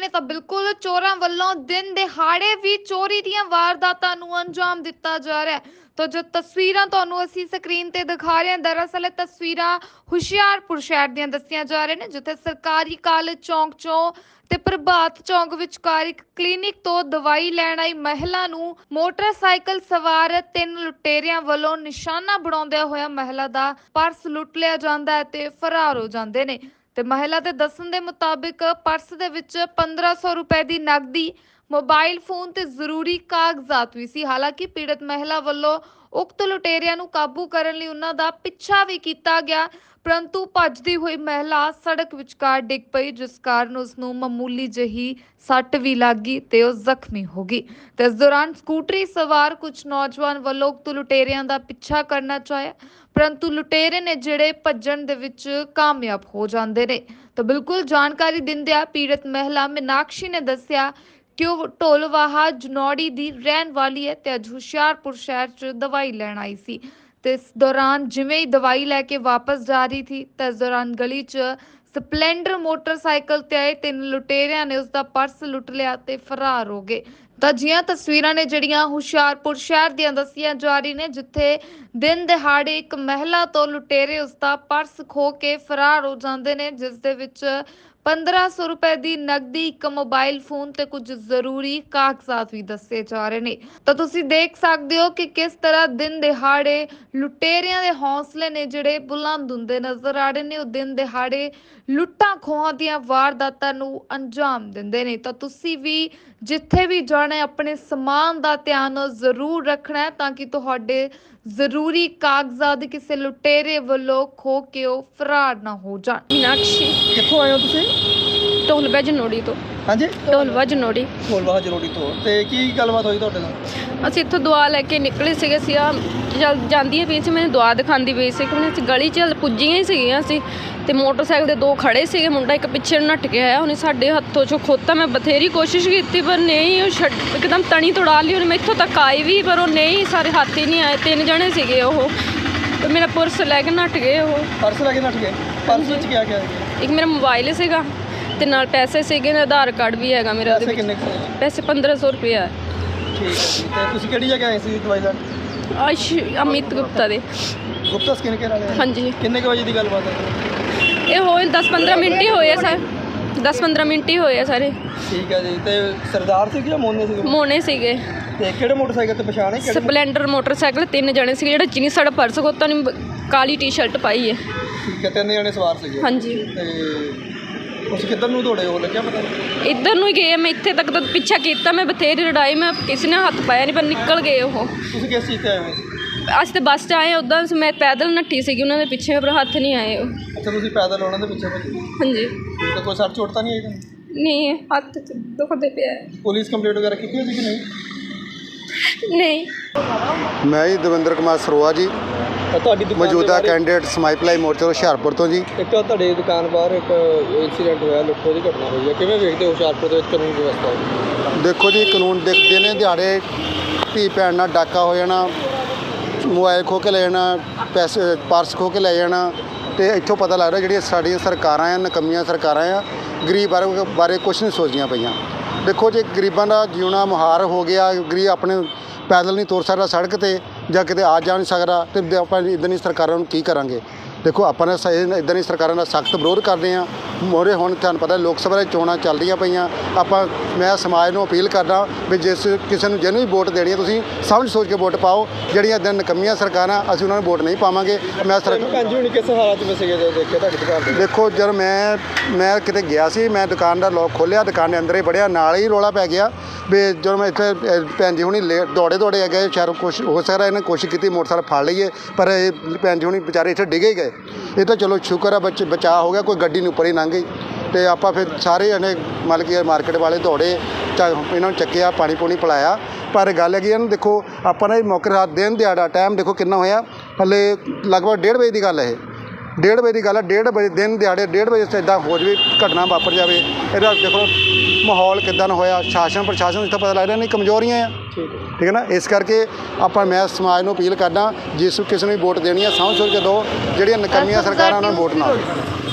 ਨੇ ਤਾਂ ਬਿਲਕੁਲ ਚੋਰਾਂ ਵੱਲੋਂ ਦਿਨ ਦਿਹਾੜੇ ਵੀ ਚੋਰੀ ਦੀਆਂ ਵਾਰਦਾਤਾਂ ਨੂੰ ਅੰਜਾਮ ਦਿੱਤਾ ਜਾ ਰਿਹਾ ਹੈ। ਤਾਂ ਜੋ ਤਸਵੀਰਾਂ ਤੁਹਾਨੂੰ ਅਸੀਂ ਸਕਰੀਨ ਤੇ ਦਿਖਾ ਰਹੇ ਹਾਂ, ਦਰਅਸਲ ਇਹ ਤਸਵੀਰਾਂ ਹੁਸ਼ਿਆਰਪੁਰ ਸ਼ਹਿਰ ਦੀਆਂ ਦੱਸੀਆਂ ਜਾ ਰਹੀਆਂ ਨੇ, ਜਿੱਥੇ ਸਰਕਾਰੀ ਕਾਲਜ ਚੌਂਕ ਚੋਂ ਤੇ ਪ੍ਰਭਾਤ ਚੌਂਕ ਵਿਚਕਾਰ ਇੱਕ ਕਲੀਨਿਕ ਤੋਂ ਦਵਾਈ ਲੈਣ ਆਈ ਮਹਿਲਾ ਨੂੰ ਮੋਟਰਸਾਈਕਲ ਸਵਾਰ 3 ਲੁਟੇਰਿਆਂ ਵੱਲੋਂ ਨਿਸ਼ਾਨਾ ਬਣਾਉਂਦਿਆਂ ਹੋਇਆ ਮਹਿਲਾ ਦਾ ਪਰਸ ਲੁੱਟ ਲਿਆ ਜਾਂਦਾ ਹੈ ਤੇ ਫਰਾਰ ਹੋ ਜਾਂਦੇ ਨੇ। ਤੇ ਮਹਿਲਾ ਦੇ ਦੱਸਣ ਦੇ ਮੁਤਾਬਿਕ ਪਰਸ ਦੇ ਵਿੱਚ 1500 ਰੁਪਏ ਦੀ ਨਕਦੀ, ਮੋਬਾਈਲ ਫੋਨ ਤੇ ਜ਼ਰੂਰੀ ਕਾਗਜ਼ਾਤ ਵੀ ਸੀ। ਹਾਲਾਂਕਿ ਪੀੜਤ ਮਹਿਲਾ ਵੱਲੋਂ ਉਕਤ ਲੁਟੇਰਿਆਂ ਨੂੰ ਕਾਬੂ ਕਰਨ ਲਈ ਉਹਨਾਂ ਦਾ ਪਿੱਛਾ ਵੀ ਕੀਤਾ ਗਿਆ, ਪਰੰਤੂ ਭੱਜਦੀ ਹੋਈ ਮਹਿਲਾ ਸੜਕ ਵਿਚਕਾਰ ਡਿੱਗ ਪਈ, ਜਿਸ ਕਾਰਨ ਉਸ ਨੂੰ ਮਾਮੂਲੀ ਜਿਹੀ ਸੱਟ ਵੀ ਲੱਗ ਗਈ ਤੇ ਉਹ ਜ਼ਖਮੀ ਹੋ ਗਈ। ਤੇ ਇਸ ਦੌਰਾਨ ਸਕੂਟਰੀ ਸਵਾਰ ਕੁਝ ਨੌਜਵਾਨ ਵੱਲੋਂ ਉਕਤ ਲੁਟੇਰਿਆਂ ਦਾ ਪਿੱਛਾ ਕਰਨਾ ਚਾਹਿਆ, ਪਰੰਤੂ ਲੁਟੇਰੇ ਨੇ ਜਿਹੜੇ ਭੱਜਣ ਦੇ ਵਿੱਚ ਕਾਮਯਾਬ ਹੋ ਜਾਂਦੇ ਨੇ। ਤਾਂ ਬਿਲਕੁਲ ਜਾਣਕਾਰੀ ਦਿੰਦਿਆਂ ਪੀੜਤ ਮਹਿਲਾ ਮੀਨਾਕਸ਼ੀ ਨੇ ਦੱਸਿਆ ਕਿ ਉਹ ਢੋਲਵਾਹਾ ਜਨੌੜੀ ਦੀ ਰਹਿਣ ਵਾਲੀ ਹੈ ਤੇ ਅੱਜ ਹੁਸ਼ਿਆਰਪੁਰ ਸ਼ਹਿਰ 'ਚ ਦਵਾਈ ਲੈਣ ਆਈ ਸੀ। ਤੇ ਇਸ ਦੌਰਾਨ ਜਿਵੇਂ ਹੀ ਦਵਾਈ ਲੈ ਕੇ ਵਾਪਸ ਜਾ ਰਹੀ ਥੀ ਤਾਂ ਇਸ ਦੌਰਾਨ ਗਲੀ 'ਚ ਸਪਲੈਂਡਰ ਮੋਟਰਸਾਈਕਲ ਤੇ ਆਏ 3 ਲੁਟੇਰਿਆਂ ਨੇ ਉਸ ਦਾ ਪਰਸ ਲੁੱਟ ਲਿਆ ਤੇ ਫਰਾਰ ਹੋ ਗਏ। ਤਾਂ ਜੀਆਂ ਤਸਵੀਰਾਂ ਨੇ ਜਿਹੜੀਆਂ ਹੁਸ਼ਿਆਰਪੁਰ ਸ਼ਹਿਰ ਦੀਆਂ ਦੱਸੀਆਂ ਜਾ ਰਹੀ ਨੇ, ਜਿੱਥੇ ਦਿਨ ਦਿਹਾੜੇ ਇੱਕ ਮਹਿਲਾ ਤੋਂ ਲੁਟੇਰੇ ਉਸ ਦਾ ਪਰਸ ਖੋ ਕੇ ਫਰਾਰ ਹੋ ਜਾਂਦੇ ਨੇ, ਜਿਸ ਦੇ ਵਿੱਚ 1500 ਰੁਪਏ ਦੀ ਨਕਦੀ, ਇੱਕ ਮੋਬਾਈਲ ਫੋਨ ਤੇ ਕੁਝ ਜ਼ਰੂਰੀ ਕਾਗਜ਼ਾਤ ਵੀ ਦੱਸੇ ਜਾ ਰਹੇ ਨੇ। ਤਾਂ ਤੁਸੀਂ ਦੇਖ ਸਕਦੇ ਹੋ ਕਿ ਕਿਸ ਤਰ੍ਹਾਂ ਦਿਨ ਦਿਹਾੜੇ ਲੁਟੇਰਿਆਂ ਦੇ ਹੌਸਲੇ ਨੇ ਜਿਹੜੇ ਬੁਲੰਦ ਹੁੰਦੇ ਨਜ਼ਰ ਆ ਰਹੇ ਨੇ। ਉਹ ਦਿਨ ਦਿਹਾੜੇ ਲੁੱਟਾਂ ਖੋਹਾਂ ਦੀਆਂ ਵਾਰਦਾਤਾਂ ਨੂੰ ਅੰਜਾਮ ਦਿੰਦੇ ਨੇ। ਤਾਂ ਤੁਸੀਂ ਵੀ ਜਿੱਥੇ ਵੀ ਜਾਣਾ ਆਪਣੇ ਸਮਾਨ ਦਾ ਧਿਆਨ ਜ਼ਰੂਰ ਰੱਖਣਾ ਹੈ, ਤਾਂ ਕਿ ਤੁਹਾਡੇ ਜ਼ਰੂਰੀ ਕਾਗਜ਼ਾਤ ਕਿਸੇ ਲੁਟੇਰੇ ਵੱਲੋਂ ਖੋ ਕੇ ਉਹ ਫਰਾਰ ਨਾ ਹੋ ਜਾਣ। ਮੀਨਾਕਸ਼ੀ ਕਿੱਥੋਂ ਆਏ ਹੋ ਤੁਸੀਂ? ਢੋਲਵਾ ਜਨੌੜੀ ਤੋਂ। ਹਾਂਜੀ, ਢੋਲਵਾ ਜਨੌੜੀ। ਢੋਲਵਾਹਾ ਜਰੋੜੀ ਤੋਂ। ਤੇ ਕੀ ਗੱਲਬਾਤ ਹੋਈ ਤੁਹਾਡੇ ਨਾਲ? ਅਸੀਂ ਇੱਥੋਂ ਦੁਆ ਲੈ ਕੇ ਨਿਕਲੇ ਸੀਗੇ। ਅਸੀਂ ਜਾਂਦੀ ਹੈ ਪਈ ਸੀ, ਮੈਨੂੰ ਦੁਆ ਦਿਖਾਉਂਦੀ ਪਈ ਸੀ ਕਿ ਅਸੀਂ ਗਲੀ 'ਚ ਪੁੱਜੀਆਂ ਹੀ ਸੀਗੀਆਂ ਅਸੀਂ, ਤੇ ਮੋਟਰਸਾਈਕਲ ਦੇ 2 ਖੜੇ ਸੀਗੇ, ਮੁੰਡਾ ਇੱਕ ਪਿੱਛੇ ਨੱਠ ਕੇ ਆਇਆ, ਉਹਨੇ ਸਾਡੇ ਹੱਥੋਂ 'ਚੋਂ ਖੋਤਾ। ਮੈਂ ਬਥੇਰੀ ਕੋਸ਼ਿਸ਼ ਕੀਤੀ ਪਰ ਨਹੀਂ, ਉਹ ਇੱਕਦਮ ਤਣੀ ਤੋੜਾ ਲਈ ਉਹਨੇ। ਮੈਂ ਇੱਥੋਂ ਤੱਕ ਆਈ ਵੀ ਪਰ ਉਹ ਨਹੀਂ, ਸਾਰੇ ਹੱਥ ਹੀ ਨਹੀਂ ਆਏ। 3 ਜਣੇ ਸੀਗੇ ਉਹ, ਤੇ ਮੇਰਾ ਪਰਸ ਲੈ ਕੇ ਨੱਠ ਗਏ ਉਹ। ਪਰਸ ਲੈ ਕੇ ਨੱਠ ਗਏ? ਪਰਸ ਵਿੱਚ ਕੀ ਆ ਗਿਆ? ਇੱਕ ਮੇਰਾ ਮੋਬਾਈਲ ਸੀਗਾ ਤੇ ਨਾਲ ਪੈਸੇ ਸੀਗੇ, ਆਧਾਰ ਕਾਰਡ ਵੀ ਹੈਗਾ ਮੇਰਾ। ਪੈਸੇ ਕਿੰਨੇ ਕੁ? ਪੈਸੇ 1500 ਰੁਪਇਆ। ਠੀਕ ਹੈ ਜੀ। ਤੇ ਤੁਸੀਂ ਕਿਹੜੀ ਜਗ੍ਹਾ ਆਏ ਸੀ ਦਵਾਈ ਲੈਣ? ਅਮਿਤ ਗੁਪਤਾ ਦੇ। ਗੁਪਤਾ ਸਕਿਨ ਕੇਅਰ ਵਾਲੇ? ਹਾਂਜੀ। ਕਿੰਨੇ ਕੁ ਵਜੇ ਦੀ ਗੱਲਬਾਤ ਹੈ? ਇਹ ਹੋਏ 10-15 ਮਿੰਟ ਹੀ ਹੋਏ ਆ ਸਰ, 10-15 ਮਿੰਟ ਹੀ ਹੋਏ ਆ ਸਾਰੇ। ਠੀਕ ਹੈ ਜੀ। ਤੇ ਸਰਦਾਰ ਸੀ ਜਾਂ ਮੋਨੇ ਸੀ? ਮੋਨੇ ਸੀਗੇ। ਤੇ ਕਿਹੜੇ ਮੋਟਰਸਾਈਕਲ ਤੇ ਪਛਾਣ ਹੈ? ਸਪਲੈਂਡਰ ਮੋਟਰਸਾਈਕਲ, 3 ਜਣੇ ਸੀਗੇ। ਜਿਹੜਾ ਚੀਨੀ ਸਾਡਾ ਪਰਸ ਖੋਤਾ ਨੇ, ਕਾਲੀ ਟੀ-ਸ਼ਰਟ ਪਾਈ ਹੈ। ਠੀਕ ਹੈ, 3 ਜਣੇ ਸਵਾਰ ਸੀਗੇ। ਹਾਂਜੀ। ਤੇ ਤੁਸੀਂ ਕਿੱਧਰ ਨੂੰ ਦੌੜੇ ਹੋ, ਲੱਗਿਆ ਪਤਾ? ਇੱਧਰ ਨੂੰ ਹੀ ਗਏ। ਮੈਂ ਇੱਥੇ ਤੱਕ ਤਾਂ ਪਿੱਛਾ ਕੀਤਾ, ਮੈਂ ਬਥੇਰੀ ਲੜਾਈ, ਮੈਂ ਕਿਸੇ ਨੇ ਹੱਥ ਪਾਇਆ ਨਹੀਂ, ਪਰ ਨਿਕਲ ਗਏ ਉਹ। ਤੁਸੀਂ ਕਿਸ ਚੀਜ਼ ਤੇ ਆਏ ਹੋ? ਅੱਜ ਤੇ ਬੱਸ 'ਚ ਆਏ, ਉੱਦਾਂ ਮੈਂ ਪੈਦਲ ਨੱਠੀ ਸੀਗੀ ਉਹਨਾਂ ਦੇ ਪਿੱਛੇ, ਪਰ ਹੱਥ ਨਹੀਂ ਆਏ ਉਹ। ਅੱਛਾ, ਤੁਸੀਂ ਪੈਦਲ ਉਹਨਾਂ ਦੇ ਪਿੱਛੇ ਭੱਜੇ? ਹਾਂਜੀ। ਤੇ ਕੋਈ ਸੱਟ ਚੋਟ ਤਾਂ ਨਹੀਂ ਆਈ ਤੁਹਾਨੂੰ? ਨਹੀਂ, ਹੱਥ 'ਚ ਦੁਖਦੇ ਪਿਆ। ਪੁਲਿਸ ਕੰਪਲੇਂਟ ਵਗੈਰਾ ਕੀਤੀ ਹੋਈ ਸੀ ਕਿ ਨਹੀਂ? ਨਹੀਂ। ਮੈਂ ਜੀ ਦਵਿੰਦਰ ਕੁਮਾਰ ਸਰੋਆ ਜੀ, ਤੁਹਾਡੀ ਮੌਜੂਦਾ ਕੈਂਡੀਡੇਟ ਸਮਾਈ ਭਲਾਈ ਮੋਰਚਾ ਹੁਸ਼ਿਆਰਪੁਰ ਤੋਂ ਜੀ। ਇੱਕ ਤੁਹਾਡੇ ਦੁਕਾਨ ਬਾਹਰ ਇੱਕ ਇਨਸੀਡੈਂਟ ਹੋਇਆ, ਲੁੱਟੋ ਦੀ ਘਟਨਾ ਹੋਈ ਹੈ, ਕਿਵੇਂ ਵੇਖਦੇ ਹੋ ਹੁਸ਼ਿਆਰਪੁਰ ਦੇ ਵਿੱਚ ਕਾਨੂੰਨ ਵਿਵਸਥਾ? ਦੇਖੋ ਜੀ, ਕਾਨੂੰਨ ਦੇਖਦੇ ਨੇ ਦਿਹਾੜੇ ਧੀ ਭੈਣ ਨਾਲ ਡਾਕਾ ਹੋ ਜਾਣਾ, ਮੋਬਾਈਲ ਖੋਹ ਕੇ ਲੈ ਜਾਣਾ, ਪੈਸੇ ਪਰਸ ਖੋਹ ਕੇ ਲੈ ਜਾਣਾ, ਤੇ ਇੱਥੋਂ ਪਤਾ ਲੱਗਦਾ ਜਿਹੜੀਆਂ ਸਾਡੀਆਂ ਸਰਕਾਰਾਂ ਆ, ਨਕੰਮੀਆਂ ਸਰਕਾਰਾਂ ਆ, ਗਰੀਬ ਬਾਰੇ ਕੁਛ ਨਹੀਂ ਸੋਚਦੀਆਂ ਪਈਆਂ। ਦੇਖੋ ਜੀ, ਗਰੀਬਾਂ ਦਾ ਜਿਉਣਾ ਮੁਹਾਰ ਹੋ ਗਿਆ। ਗਰੀਬ ਆਪਣੇ ਪੈਦਲ ਨਹੀਂ ਤੁਰ ਸਕਦਾ ਸੜਕ 'ਤੇ, ਜਾਂ ਕਿਤੇ ਆ ਜਾ ਨਹੀਂ ਸਕਦਾ, ਅਤੇ ਆਪਾਂ ਇੱਦਾਂ ਦੀ ਸਰਕਾਰਾਂ ਨੂੰ ਕੀ ਕਰਾਂਗੇ? ਦੇਖੋ, ਆਪਾਂ ਨੇ ਇੱਦਾਂ ਦੀ ਸਰਕਾਰਾਂ ਦਾ ਸਖਤ ਵਿਰੋਧ ਕਰਦੇ ਹਾਂ। ਮੋਰੇ ਹੁਣ ਤੁਹਾਨੂੰ ਪਤਾ ਲੋਕ ਸਭਾ ਦੀਆਂ ਚੋਣਾਂ ਚੱਲ ਰਹੀਆਂ ਪਈਆਂ। ਮੈਂ ਸਮਾਜ ਨੂੰ ਅਪੀਲ ਕਰਦਾ ਵੀ ਜਿਸ ਕਿਸੇ ਨੂੰ ਜਿਹਨੂੰ ਵੀ ਵੋਟ ਦੇਣੀ ਹੈ, ਤੁਸੀਂ ਸਮਝ ਸੋਚ ਕੇ ਵੋਟ ਪਾਓ। ਜਿਹੜੀਆਂ ਇੱਦਾਂ ਨਕੰਮੀਆਂ ਸਰਕਾਰਾਂ, ਅਸੀਂ ਉਹਨਾਂ ਨੂੰ ਵੋਟ ਨਹੀਂ ਪਾਵਾਂਗੇ। ਮੈਂ ਕਿਸ ਹਾਲਾਤ 'ਚ ਸੀਗੇ ਜਦੋਂ ਦੇਖਿਆ ਤੁਹਾਡੀ ਦੁਕਾਨ 'ਤੇ? ਦੇਖੋ, ਜਦ ਮੈਂ ਕਿਤੇ ਗਿਆ ਸੀ, ਮੈਂ ਦੁਕਾਨ ਦਾ ਲੋਕ ਖੋਲ੍ਹਿਆ, ਦੁਕਾਨ ਦੇ ਅੰਦਰ ਹੀ ਵੜਿਆ, ਨਾਲ ਹੀ ਰੌਲਾ ਪੈ ਗਿਆ ਵੀ ਜਦੋਂ ਮੈਂ ਇੱਥੇ ਭੈਣ ਜੀ ਹੁਣੀ ਦੌੜੇ ਆ ਗਏ। ਸ਼ਾਇਦ ਕੁਛ ਹੋ ਸਕਦਾ ਇਹਨੇ ਕੋਸ਼ਿਸ਼ ਕੀਤੀ ਮੋਟਰਸਾਈਕਲ ਫੜ ਲਈਏ, ਪਰ ਇਹ ਭੈਣ ਜੀ ਹੁਣੀ ਵਿਚਾਰੇ ਇੱਥੇ ਡਿੱਗੇ ਹੀ ਗਏ। ਇਹ ਤਾਂ ਚਲੋ ਸ਼ੁਕਰ ਆ ਬਚਾਅ ਹੋ ਗਿਆ, ਕੋਈ ਗੱਡੀ ਨੂੰ ਉੱਪਰ ਹੀ ਲੰਘ ਗਈ। ਅਤੇ ਆਪਾਂ ਫਿਰ ਸਾਰੇ ਜਣੇ ਮਤਲਬ ਕਿ ਮਾਰਕੀਟ ਵਾਲੇ ਦੌੜੇ, ਇਹਨਾਂ ਨੂੰ ਚੱਕਿਆ, ਪਾਣੀ ਪੂਣੀ ਪਿਲਾਇਆ। ਪਰ ਗੱਲ ਹੈਗੀ ਇਹਨੂੰ ਦੇਖੋ, ਆਪਾਂ ਨੇ ਮੌਕੇ ਰਾਤ ਦਿਨ ਦਿਹਾੜਾ ਟਾਈਮ ਦੇਖੋ ਕਿੰਨਾ ਹੋਇਆ, ਹਲੇ ਲਗਭਗ 1:30 ਵਜੇ ਦੀ ਗੱਲ ਹੈ। ਇਹ 1:30 ਵਜੇ ਦੀ ਗੱਲ ਹੈ। 1:30 ਵਜੇ ਦਿਨ ਦਿਹਾੜੇ 1:30 ਵਜੇ ਇੱਦਾਂ ਹੋ ਜਾਵੇ, ਘਟਨਾ ਵਾਪਰ ਜਾਵੇ। ਇਹਦਾ ਦੇਖੋ ਮਾਹੌਲ ਕਿੱਦਾਂ ਹੋਇਆ। ਪ੍ਰਸ਼ਾਸਨ ਨੂੰ ਇੱਥੇ ਪਤਾ ਲੱਗਦਾ ਨਹੀਂ ਕਮਜ਼ੋਰੀਆਂ ਆ। ਠੀਕ ਹੈ ਨਾ। ਇਸ ਕਰਕੇ ਮੈਂ ਸਮਾਜ ਨੂੰ ਅਪੀਲ ਕਰਦਾ, ਜਿਸ ਕਿਸੇ ਨੂੰ ਵੀ ਵੋਟ ਦੇਣੀ ਹੈ ਸਮਝ ਸੋਚ ਕੇ ਦਿਓ। ਜਿਹੜੀਆਂ ਨਕੰਮੀਆਂ ਸਰਕਾਰਾਂ ਉਹਨਾਂ ਨੂੰ ਵੋਟ ਨਾ